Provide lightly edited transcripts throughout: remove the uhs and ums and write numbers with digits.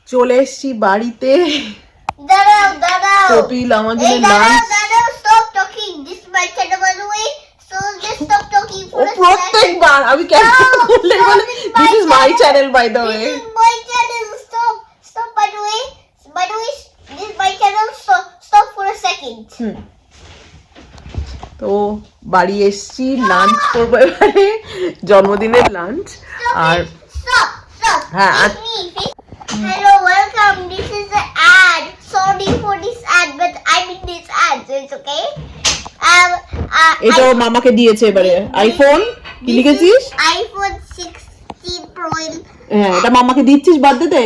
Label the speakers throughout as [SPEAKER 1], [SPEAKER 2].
[SPEAKER 1] চলে এসেছি বাড়িতে।
[SPEAKER 2] দাঁড়াও দাঁড়াও
[SPEAKER 1] কপিল আমাদের
[SPEAKER 2] দাঁড়াও
[SPEAKER 1] লাঞ্চ।
[SPEAKER 2] দাঁড়াও stop talking this is my channel by the way so just stop talking
[SPEAKER 1] O
[SPEAKER 2] for a second.
[SPEAKER 1] প্রত্যেকবার আমি কেন বললে বলে this is my channel by the way.
[SPEAKER 2] This is my channel. Stop. By the way, this is my channel. Stop for a second.
[SPEAKER 1] তো বাড়ি এসেছি, lunch করবো এবারে, জন্মদিনের লাঞ্চ। আর
[SPEAKER 2] Stop.
[SPEAKER 1] হ্যাঁ,
[SPEAKER 2] It's me. Hello, welcome. This is the ad. Sorry for this ad, but I'm in this ad, so it's okay.
[SPEAKER 1] এটা ওর মামাকে দিয়েছে এবারে আইফোন। কি লিখেছিস?
[SPEAKER 2] iPhone 16 Pro.
[SPEAKER 1] হ্যাঁ, এটা মামাকে দিচ্ছিস বার্থডেতে?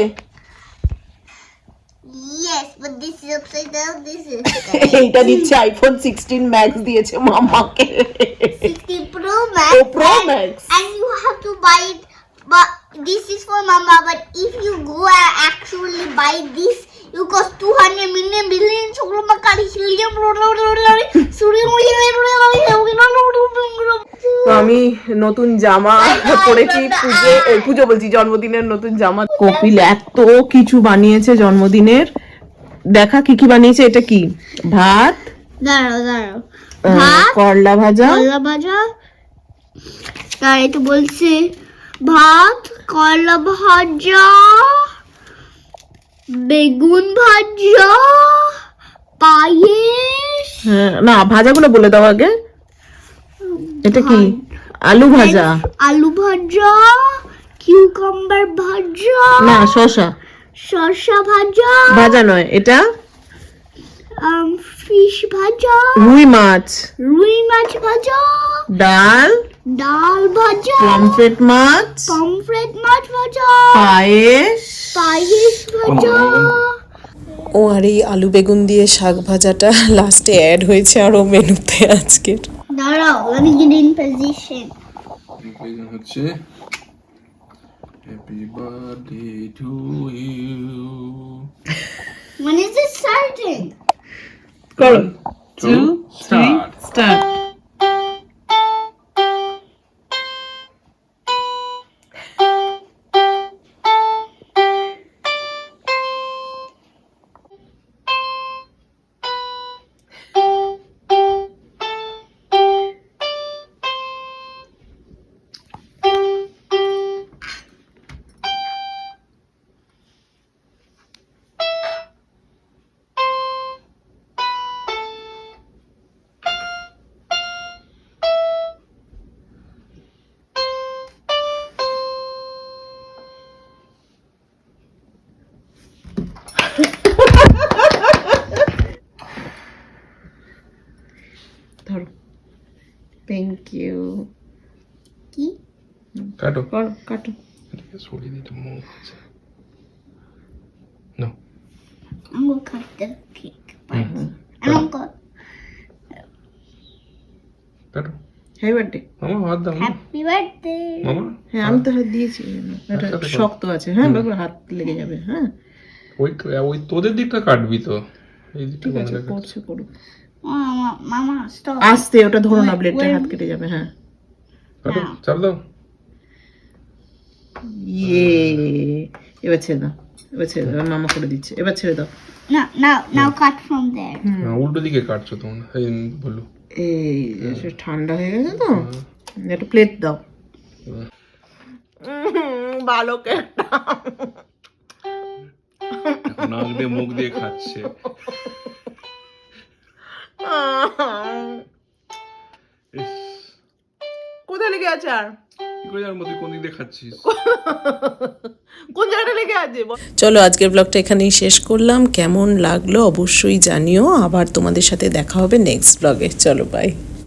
[SPEAKER 2] Yes, but this is upside down. This is
[SPEAKER 1] এইটা দিচ্ছে আইফোন 16 ম্যাক্স দিয়েছে মামাকে।
[SPEAKER 2] 16 Pro Max.
[SPEAKER 1] Oh, Pro Max.
[SPEAKER 2] And you have to buy it, but this is for Mama. But if you go and actually buy this, you cost 200 million billion.
[SPEAKER 1] তো আমি নতুন জামা পরেছি, পুজো বলছি, জন্মদিনের নতুন জামা। কপিল এত কিছু বানিয়েছে জন্মদিনের, দেখা কি কি বানিয়েছে। এটা কি? ভাত,
[SPEAKER 2] দাঁড়াও
[SPEAKER 1] করলা ভাজা,
[SPEAKER 2] তার এটা বলছে ভাত, করলা ভাজা, বেগুন ভাজা, পায়েস।
[SPEAKER 1] হ্যাঁ, না ভাজাগুলো বলে দাও আগে। এটা কি? আলু ভাজা,
[SPEAKER 2] আলু ভাজা, কিউকাম্বার ভাজা,
[SPEAKER 1] না শসা
[SPEAKER 2] ভাজা,
[SPEAKER 1] ভাজা নয় এটা,
[SPEAKER 2] ফিশ ভাজা,
[SPEAKER 1] রুই মাছ
[SPEAKER 2] ভাজা,
[SPEAKER 1] ডাল
[SPEAKER 2] ভাজা,
[SPEAKER 1] পমফ্রেট মাছ
[SPEAKER 2] ভাজা,
[SPEAKER 1] পায়েস
[SPEAKER 2] ভাজা।
[SPEAKER 3] ও আর এই আলু বেগুন দিয়ে শাক ভাজাটা লাস্টে অ্যাড হয়েছে আরও মেনুতে আজকের।
[SPEAKER 2] দাঁড়াও, let me get in position.
[SPEAKER 4] হচ্ছে happy birthday to you.
[SPEAKER 2] When is it starting?
[SPEAKER 1] করো।
[SPEAKER 4] 2 স্টার্ট।
[SPEAKER 1] স্টার্ট। ধরো। Thank you.
[SPEAKER 2] কি?
[SPEAKER 4] কাটো
[SPEAKER 1] করো, কাটো।
[SPEAKER 4] এটাকে সরিয়ে দিতে মুখ আছে। No.
[SPEAKER 2] I'm gonna cut the cake. I don't cut.
[SPEAKER 4] কাটো।
[SPEAKER 1] Happy birthday.
[SPEAKER 4] মামা হাত দাও না।
[SPEAKER 2] Happy birthday.
[SPEAKER 4] মামা
[SPEAKER 1] হ্যাঁ, আমি তো হাত দিয়েছি, এটা
[SPEAKER 4] একসাথে করো।
[SPEAKER 1] শক্ত আছে। হ্যাঁ, বারবার হাত লেগে যাবে। হ্যাঁ
[SPEAKER 4] ওই তোদের দিকটা কাটবি তো, এই দিকটা
[SPEAKER 1] ঠিক আছে,
[SPEAKER 4] কোনটা কাটবি?
[SPEAKER 1] করছে করুক।
[SPEAKER 2] Mama, stop.
[SPEAKER 1] আস্তে, ওটা ধরো না, ব্লেডটা হাত কেটে যাবে। হ্যাঁ,
[SPEAKER 4] কাটো, চাপ দাও।
[SPEAKER 1] ইয়ে, এবার ছেড়ে দাও, মামা করে দিচ্ছে, এবার ছেড়ে দাও।
[SPEAKER 2] Now cut from there.
[SPEAKER 4] উল্টো দিকে কাটছো তোমরা, এই বলো।
[SPEAKER 1] এই সে ঠান্ডা হয়ে গেছে তো, একটু প্লেট দাও। ভালো কেকটা।
[SPEAKER 4] এখন আসবে, মুখ দিয়ে খাচ্ছে। ইস,
[SPEAKER 1] কোথায় লেগে আছে? আর
[SPEAKER 4] কি করে জানবো তুই কোন দিক দিয়ে খাচ্ছিস?
[SPEAKER 1] কোন জায়গাটা লেগে আছে?
[SPEAKER 3] চলো আজকের ব্লগটা এখানেই শেষ করলাম। কেমন লাগলো অবশ্যই জানিও। আবার তোমাদের সাথে দেখা হবে নেক্সট ব্লগে। চলো বাই।